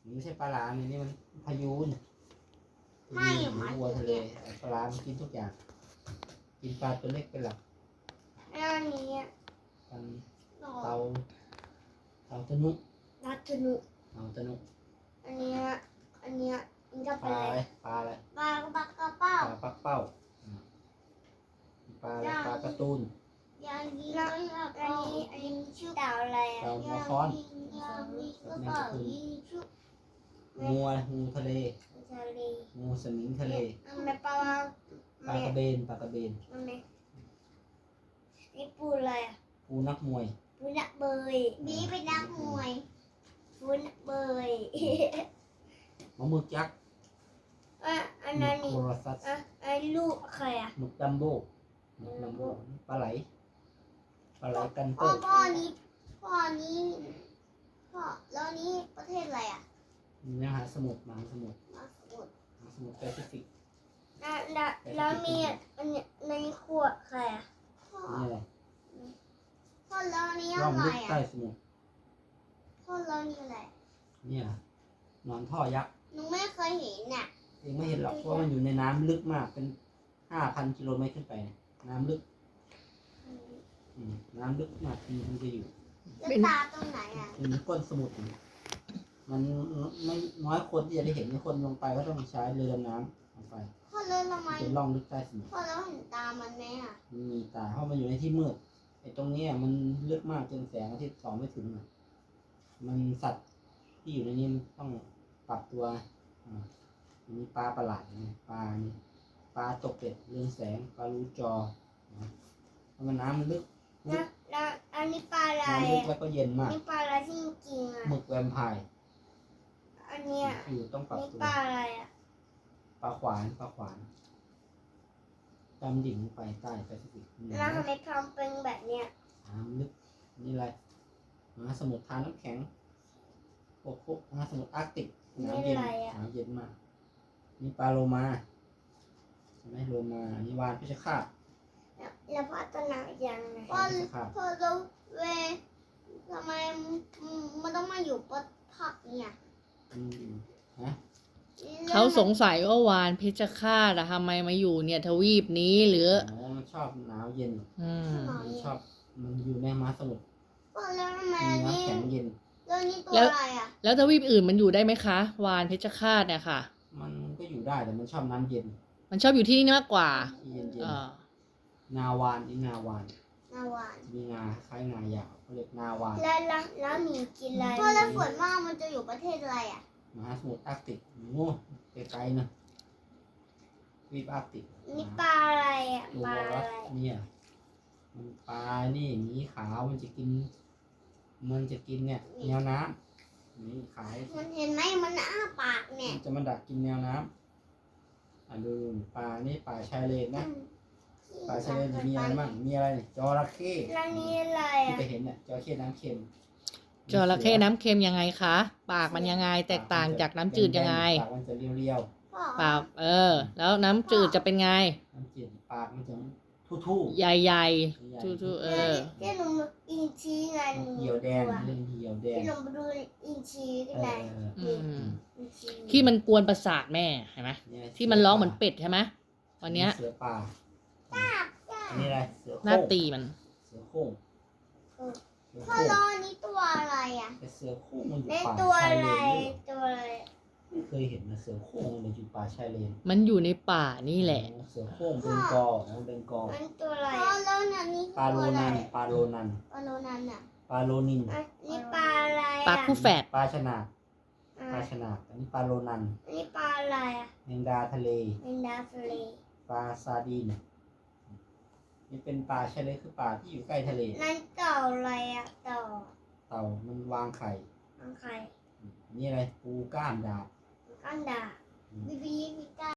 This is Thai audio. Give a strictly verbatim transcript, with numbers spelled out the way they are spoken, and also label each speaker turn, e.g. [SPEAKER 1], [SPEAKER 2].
[SPEAKER 1] ไม่ใช่ปลาหลามนี่มันพายูน
[SPEAKER 2] ไม่ห
[SPEAKER 1] ห
[SPEAKER 2] มา
[SPEAKER 1] รือวัวทะเลปลาหลามกินทุกอย่าง กินปลาตัวเล็กเป็นหลัก
[SPEAKER 2] อันนี้
[SPEAKER 1] กัน
[SPEAKER 2] หนอ
[SPEAKER 1] เตาเตาตะนุ
[SPEAKER 2] นัทนุ
[SPEAKER 1] เตาตะนุ
[SPEAKER 2] อันเนี้ยอันเนี้ยมันจะ
[SPEAKER 1] ป
[SPEAKER 2] เป็น
[SPEAKER 1] ลา
[SPEAKER 2] อะ
[SPEAKER 1] อะไร ไรปลาอะไร
[SPEAKER 2] ปลากระปักกระเป้า
[SPEAKER 1] ปลาปักเป้าอืมปลาอะไรปลาการ์ตูน
[SPEAKER 2] อย่างนี้แล้วอันนี้อันนี้ชื่อดาวอะไรอ่ะ
[SPEAKER 1] ดาวหัวค้อน
[SPEAKER 2] อย่างนี้ก็เปล่ายิงชุบ
[SPEAKER 1] งูอะไรงูทะเล
[SPEAKER 2] ทะเล
[SPEAKER 1] งูสมิงทะเล
[SPEAKER 2] มันไม่ปลา
[SPEAKER 1] ปลากระเบนปลากระเบน
[SPEAKER 2] มันไม่นี่ปูอะไรอ่ะ
[SPEAKER 1] ปูนักมวย
[SPEAKER 2] ปูนักเบยบีเป็นนักมวยปูนักเบย
[SPEAKER 1] มะมึกยักษ์
[SPEAKER 2] อ่ะอัน
[SPEAKER 1] หมึ
[SPEAKER 2] นั้
[SPEAKER 1] ก
[SPEAKER 2] นนี่
[SPEAKER 1] โครซัส
[SPEAKER 2] อ่ะไอ้ลูกใครอ่ะ
[SPEAKER 1] หมึกดัมโบ้หมึกดัมโบ้ปลาไหลปลาไหลกัน
[SPEAKER 2] พ่
[SPEAKER 1] เต
[SPEAKER 2] อ
[SPEAKER 1] อร์
[SPEAKER 2] พ่อนี้พ่อนี้พ่อแล้วนี้ประเทศอะไรอ่ะ
[SPEAKER 1] มหาสมุทรมหาสมุทร
[SPEAKER 2] มาสมุทร
[SPEAKER 1] มหาสมุทรแปซิฟิก
[SPEAKER 2] แล้วแล้วแล้วมีอันเนี้ยในขวดใครอ่ะพ่อ
[SPEAKER 1] นี่แหละ
[SPEAKER 2] พ่อแล้วนี้
[SPEAKER 1] ร่
[SPEAKER 2] อะ
[SPEAKER 1] อง
[SPEAKER 2] ไร
[SPEAKER 1] ลึก
[SPEAKER 2] อ่ะ
[SPEAKER 1] ใต้สมุทร
[SPEAKER 2] พ่อแล้วนี้อะไร
[SPEAKER 1] เนี่ยหนอนท่อยักษ์
[SPEAKER 2] หนูไม่เคยเห็นน่ะ
[SPEAKER 1] เองไม่เห็นหรอกเพราะมันอยู่ในน้ำลึกมากเป็นห้าพันกิโลเมตรขึ้นไปเนี่ยน้ำลึกอืมน้ำลึกมากที่มันจะอยู่
[SPEAKER 2] แล้วตาตรงไหนอ่ะ
[SPEAKER 1] เป็นก้นสมุทรอยู่มันไม่น้อยคนที่จะได้เห็นคนลงไปก็ต้องใช้เรือดำน้ำลงไป
[SPEAKER 2] พ่อแล้วทำไม
[SPEAKER 1] เป็นร่องลึกใต้สมุทร
[SPEAKER 2] พ่อแล้วเห็นตามันไหมอ่ะ
[SPEAKER 1] มันมีตาเพราะมันอยู่ในที่มืดไอ้ตรงเนี้ยมันลึกมากจนแสงอาทิตย์ส่องไม่ถึงอะมันสัตว์ที่อยู่ในนี้มันต้องปรับตัวอ่ามีปลาประหลาดนะปลานี่ปลาตกเป็ดเรืองแสงปลารูจอนะเพราะมันน้ำมันลึกลึ
[SPEAKER 2] แล้
[SPEAKER 1] ก
[SPEAKER 2] วแล้วอันนี้ปลาอะไร
[SPEAKER 1] น้ำลึก
[SPEAKER 2] อ่ะ
[SPEAKER 1] แล้วก็เย็น
[SPEAKER 2] อั
[SPEAKER 1] มาน ก
[SPEAKER 2] นี้ปลาอะไรที่กินอ่ะ
[SPEAKER 1] หมึกแวมไพร์
[SPEAKER 2] อันเนี้ย
[SPEAKER 1] อยู่ต้องปรับ
[SPEAKER 2] นี่
[SPEAKER 1] ตัว
[SPEAKER 2] ปลาอะไรอ่ะ
[SPEAKER 1] ปลาขวานปลาขวานดำดิ่งลงไปใต้แปซิฟิก
[SPEAKER 2] แล้วทำไมทำเป็นแบบเนี้ย
[SPEAKER 1] น้ำลึกนี่อะไรมหาสมุทรทานน้ำแข็งพวกพวกมหาสมุทรอาร์กติกน้ำเย็นน้ำเย็นมากนี่ปลาโลมาใช่ไหมโลมาอันนี่วานพิชคาต
[SPEAKER 2] แล้วแล้วพัฒนายังไง
[SPEAKER 1] วานพิชคาต
[SPEAKER 2] พอเราเวทำไมมันต้องมาอยู่บนผักเนี่ย
[SPEAKER 1] อืมฮะ
[SPEAKER 3] เขาสงสัยว่าวานเพชฌฆาตอะทำไมมาอยู่เนี่ยทวีปนี้หรือ
[SPEAKER 1] อ๋อมันชอบหนาวเย็น
[SPEAKER 3] อืม
[SPEAKER 1] มันชอบมันอยู่ในมหาสมุทร
[SPEAKER 2] พอแล้วทำไม
[SPEAKER 1] มี
[SPEAKER 2] นี่
[SPEAKER 1] น้ำแข็งเย็น
[SPEAKER 2] แล้วนี่ตัว
[SPEAKER 3] แล้ว
[SPEAKER 2] อะไรอ่ะ
[SPEAKER 3] แล้วทวีปอื่นมันอยู่ได้ไหมคะ วานเพชฌฆาตเนี่ยค่ะ
[SPEAKER 1] มันก็อยู่ได้แต่มันชอบน้ำเย็น
[SPEAKER 3] มันชอบอยู่ที่นี่มากกว่า
[SPEAKER 1] ที่เย็นเย็น
[SPEAKER 3] เออ
[SPEAKER 1] นาวานนี่นาวาน
[SPEAKER 2] นาวาน
[SPEAKER 1] มีงาคล้ายงายาวเขาเรียกนาวาน
[SPEAKER 2] แล้วแล้วแล้วหมีกินอะไรพอแล้วฝนมากมันจะอยู่ประเทศอะไรอ่ะ
[SPEAKER 1] มหาสมุทรอาร์กติกโง่ไกลๆนะวีปอาร์กติก
[SPEAKER 2] นี่ปลาอะไรอ่ะ
[SPEAKER 1] ตัว
[SPEAKER 2] ปลา
[SPEAKER 1] รั
[SPEAKER 2] อะ
[SPEAKER 1] ส
[SPEAKER 2] ไร
[SPEAKER 1] เนี่ยมันปลานี่หมีขาวมันจะกิน มันจะกินเนี่ยแนวน้ำหมีขาว
[SPEAKER 2] มันเห็นไหมมันอ้าปากเนี่ย
[SPEAKER 1] มันจะมาดักกินแนวน้ำอ่ะดูปลานี่ปลาชายเลนนะปลาชายเลนจะมีอะไรบ้างมีอะไรเนี่ยจระเข้
[SPEAKER 2] แล้วนี่อะไร
[SPEAKER 1] ที่
[SPEAKER 2] อ่ะ
[SPEAKER 1] ไปเห็นเนี่ยจระเข้น้ำเค็ม
[SPEAKER 3] จระเข้น้ำเค็มยังไงคะ ปากมันยังไงแตกต่างจากน้ำจืดยังไง
[SPEAKER 1] ปากมันจะเรียว
[SPEAKER 2] พ่อ
[SPEAKER 3] ปากเออ แล้วน้ำจืดจะเป็นไง
[SPEAKER 1] ๆน้ำจืดปากมันจะทู่ๆ
[SPEAKER 3] ใหญ่
[SPEAKER 1] ใหญ่
[SPEAKER 3] ๆทู่ๆเออ
[SPEAKER 2] ที่หนูอินชีไงหนู
[SPEAKER 1] เหี่ยวแดงเรื่องเหี่ยวแดง
[SPEAKER 2] ที่หนูไปดูอินชีที่
[SPEAKER 1] เอ
[SPEAKER 2] ไหน
[SPEAKER 1] อ
[SPEAKER 3] อืม
[SPEAKER 2] อินชี
[SPEAKER 3] ที่มันกวนประสาทแม่เห็นไหม
[SPEAKER 1] เนี่ย
[SPEAKER 3] ที่มันร้องเหมือนเป็ดใช่ไหมวันเนี้ย
[SPEAKER 1] เสือป่าอันนี้อะไรเสือ
[SPEAKER 3] หน้า
[SPEAKER 1] โคร่ง
[SPEAKER 3] ตีมัน
[SPEAKER 1] เสือโคร่งเสือ
[SPEAKER 2] พ่อ
[SPEAKER 1] โคร่ง
[SPEAKER 2] รอนี่ตัวอะไรอ่ะ
[SPEAKER 1] แต่เสือโคร่งมันอยู่
[SPEAKER 2] ใน
[SPEAKER 1] ป่า
[SPEAKER 2] ตัว
[SPEAKER 1] ชาย
[SPEAKER 2] อะไร
[SPEAKER 1] เลนด้วย
[SPEAKER 2] ตัวอะไร
[SPEAKER 1] ไม่เคยเห็นนะเสือโคร่งมันอยู่ป่าชายเลน
[SPEAKER 3] มันอยู่ในป่านี่แหละ
[SPEAKER 1] เสือโคร่งเบงกอลอ๋อเบงกอล
[SPEAKER 2] มันตัวอะไรพ่อแล้วนั่นนี่
[SPEAKER 1] ปลาโล
[SPEAKER 2] ตัวอะไร
[SPEAKER 1] นันปลาโลนัน
[SPEAKER 2] ปลาโลนันอ่ะ
[SPEAKER 1] ปลาโลนิน
[SPEAKER 2] อันนี่ปลาอะไร
[SPEAKER 3] ปลา
[SPEAKER 2] อ่ะ
[SPEAKER 3] คู่แฝด
[SPEAKER 1] ปลาชนาด
[SPEAKER 2] อ่ะ
[SPEAKER 1] ปลาชนาดอันนี้ปลาโลนัน
[SPEAKER 2] อันนี่ปลาอะไรอ่ะ
[SPEAKER 1] แมงดาทะเล
[SPEAKER 2] เมนดาฟลี
[SPEAKER 1] ปลาซาดีนนี่เป็นปลาชายเลนคือปลาที่อยู่ใกล้ทะเล
[SPEAKER 2] นั่นเต่าอะไรอ่ะเต่า
[SPEAKER 1] เต่ามันวางไข่
[SPEAKER 2] อังไข่
[SPEAKER 1] อันนี่อะไรปูก้ามดาบ
[SPEAKER 2] อันดาบีบีมีกา